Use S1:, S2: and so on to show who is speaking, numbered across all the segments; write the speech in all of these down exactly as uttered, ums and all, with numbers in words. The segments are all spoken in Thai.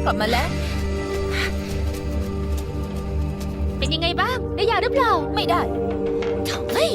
S1: กลับมาแล้วเป็นยังไงบ้างได้ยาหรือเปล่าไม่ได้เฮ้ย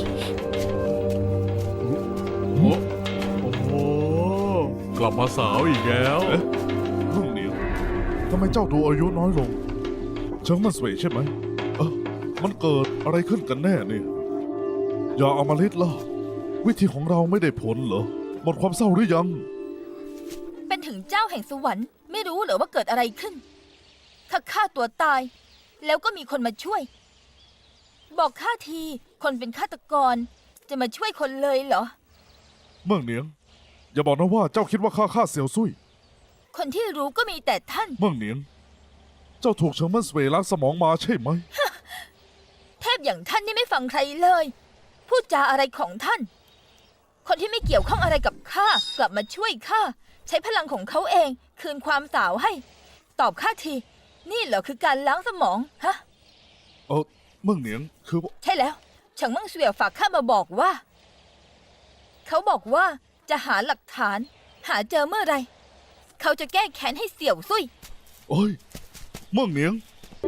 S2: โอ้โหกลับมาสาวอีกแล้ว
S3: เอ๊ะรุ่งเหนียวทำไมเจ้าดูอายุน้อยลงเชิงมันสวยใช่ไหมเออมันเกิดอะไรขึ้นกันแน่เนี่ยอย่าเอามาลิดล่ะวิธีของเราไม่ได้ผลเหรอหมดความเศร้าหรือยัง
S1: เป็นถึงเจ้าแห่งสวรรค์ไม่รู้เหรอว่าเกิดอะไรขึ้นข้าฆ่าตัวตายแล้วก็มีคนมาช่วยบอกข้าทีคนเป็นฆาตกรจะมาช่วยคนเลยเหรอ
S3: เมืองเหนียงอย่าบอกนะว่าเจ้าคิดว่าข้าฆ่าเสี่ยวซุย
S1: คนที่รู้ก็มีแต่ท่าน
S3: เมืองเหนียงเจ้าถูกเฉิงเมินสเวยล้างสมองมาใช่ไหม
S1: เทพอย่างท่านนี่ไม่ฟังใครเลยพูดจาอะไรของท่านคนที่ไม่เกี่ยวข้องอะไรกับข้ากลับมาช่วยข้าใช้พลังของเขาเองคืนความสาวให้ตอบข้าทีนี่เหรอคือการล้างสมองฮะ
S3: เออเมืองเหนียงคือ
S1: ใช่แล้วเฉิงเมิงเสวียฝากข้ามาบอกว่าเขาบอกว่าจะหาหลักฐานหาเจอเมื่อไรเขาจะแก้แค้นให้เสี่ยวซุย
S3: โอ้ยเมืองเหนียง